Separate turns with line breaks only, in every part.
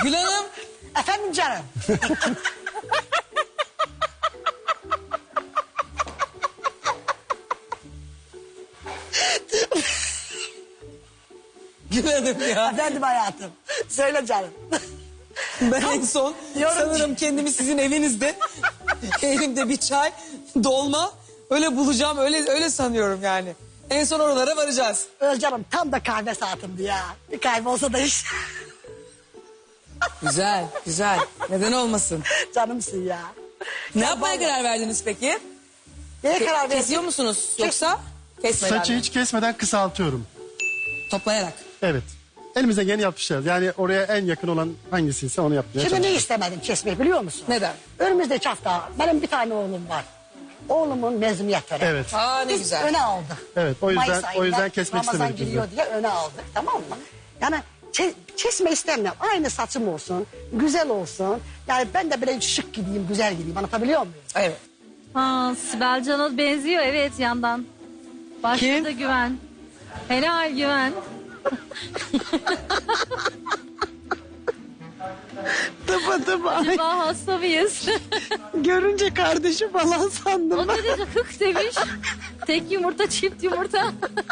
Gül Hanım.
Efendim canım.
Gül Hanım ya.
Efendim hayatım. Söyle canım.
Ben en son
Yorum-
sanırım kendimi sizin evinizde elimde bir çay, dolma öyle bulacağım, öyle sanıyorum yani. En son oralara varacağız.
Özcanım tam da kahve saatimdi ya. Bir kahve olsa da iş.
Güzel, güzel. Neden olmasın?
Canımsın ya.
Ne yapmaya karar verdiniz peki?
Neye karar verdin?
Kesiyor musunuz yoksa kesmeden
Saçı
mi?
hiç kesmeden kısaltıyorum.
Toplayarak.
Evet. Elimizden geleni yapmışız. Yani oraya en yakın olan hangisiyse onu yapmaya
Şimdi ne
çalışıyoruz.
istemedim kesmeyi biliyor musun?
Neden?
Önümüzdeki hafta benim bir tane oğlum var. Oğlumun mezuniyet töreni.
Evet.
Aa ne
Biz
güzel.
öne aldık.
Evet, o yüzden-
Mayıs ayında
o yüzden kesmek
Ramazan
istemedik biz de.
giriyor diye öne aldık, tamam mı? Yani kesme istemiyorum. Aynı saçım olsun, güzel olsun. Yani ben de böyle şık gideyim, güzel gideyim. Anlatabiliyor muyum?
Evet.
Ha, Sibel Can'a benziyor evet yandan. Başta
Kim?
da Güven. Helal Güven.
Tıpa.
Acaba hasta mıyız?
Görünce kardeşim falan sandım.
O derece hık demiş. Tek yumurta çift yumurta.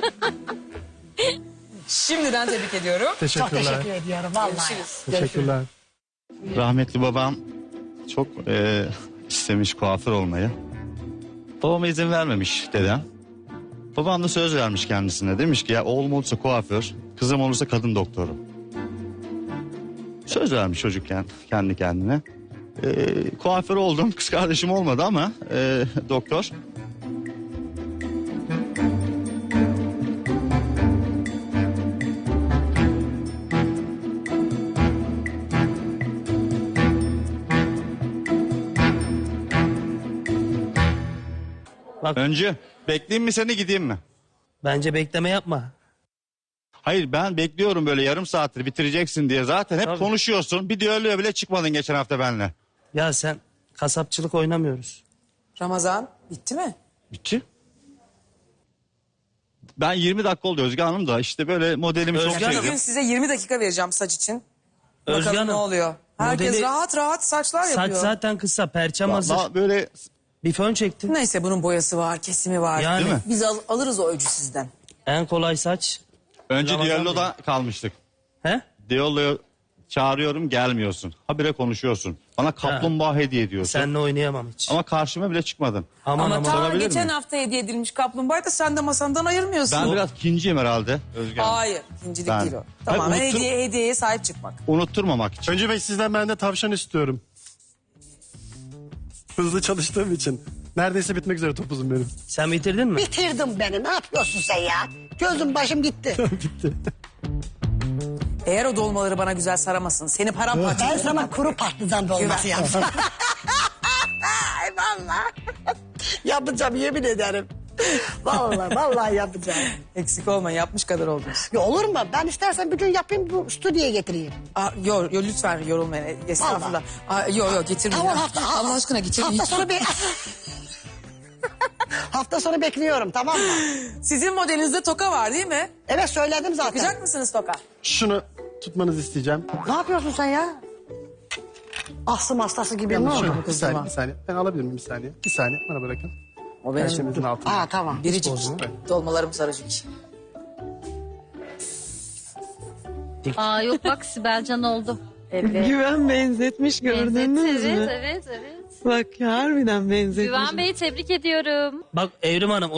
Şimdiden tebrik ediyorum.
Çok
Teşekkürler.
teşekkür ediyorum vallahi.
Görüşürüz.
Teşekkürler.
Rahmetli babam çok istemiş kuaför olmayı. Babama izin vermemiş dedem. Babam da söz vermiş kendisine. Demiş ki ya oğlum olursa kuaför, kızım olursa kadın doktoru. Söz vermiş çocukken kendi kendine. Kuaför oldum. Kız kardeşim olmadı ama doktor.
Bak,
Önce bekleyeyim mi seni gideyim mi?
bence bekleme yapma.
Hayır ben bekliyorum böyle yarım saattir bitireceksin diye. Zaten hep
Tabii.
konuşuyorsun. Bir düelloya bile çıkmadın geçen hafta benimle.
Ya sen kasapçılık oynamıyoruz.
Ramazan bitti mi?
Bitti. Ben 20 dakika oldu Özge Hanım da işte böyle modelimi çok
Özge Hanım.
Bugün
sevdim.
size 20 dakika vereceğim saç için.
Özge
Bakalım
Hanım,
ne oluyor. Herkes
modeli-
rahat rahat saçlar
Saç
yapıyor.
zaten kısa, perçem hazır.
Vallahi böyle
Bir fön çektin.
Neyse bunun boyası var, kesimi var.
Yani
Değil mi?
Biz alırız o öcü sizden.
en kolay saç.
önce
Ramazan
düelloda kalmıştık.
He?
Düelloya çağırıyorum gelmiyorsun. Habire konuşuyorsun. Bana kaplumbağa hediye ediyorsun.
Seninle oynayamam hiç.
Ama karşıma bile çıkmadın.
Aman
Ama
aman.
ta
sorabilir
geçen
miyim?
hafta hediye edilmiş kaplumbağayı da sen de masandan ayırmıyorsun.
Ben biraz ikinciyim herhalde Özge Hanım.
Hayır, ikincilik
Ben-
değil o.
Hayır,
Tamamen
unuttum.
hediyeye sahip çıkmak.
Unutturmamak için.
Önce Bey sizden ben de tavşan istiyorum. Hızlı çalıştığım için. Neredeyse bitmek üzere topuzum benim.
Sen bitirdin mi?
Bitirdim beni. Ne yapıyorsun sen ya? Gözüm başım gitti.
Bitti.
Eğer o dolmaları bana güzel saramasın, seni paramparça
Ben sana kuru patlıcan dolması yaptım. Ay vallahi. Yapacağım yemin ederim. Vallahi yapacağım.
Eksik olma, yapmış kadar oldunuz.
Ya olur mu? Ben istersen bir gün yapayım bu stüdyoya getireyim.
Yo lütfen yorulmayın. Estağfurullah. Yo getirmeyin.
Tamam
Allah aşkına getirmeyin.
Hafta sonu hafta sonu bekliyorum tamam mı?
Sizin modelinizde toka var değil mi?
Evet söyledim zaten.
Bakacak mısınız toka?
Şunu tutmanızı isteyeceğim.
Ne yapıyorsun sen ya? Astım hastası gibi ne oldu?
Şunu, bir
kızıma?
saniye, bir saniye. Ben alabilir miyim bir saniye? Bir saniye bana bırakın.
O benim
Perşembenizin altında.
Aa tamam.
biricik. Dolmalarım sarıcık.
Aa yok bak Sibel Can oldu. Evet.
Güven benzetmiş gördünüz
Evet,
mü?
evet.
Bak harbiden benzetmiş.
Güven Bey'i tebrik ediyorum.
Bak Evrim Hanım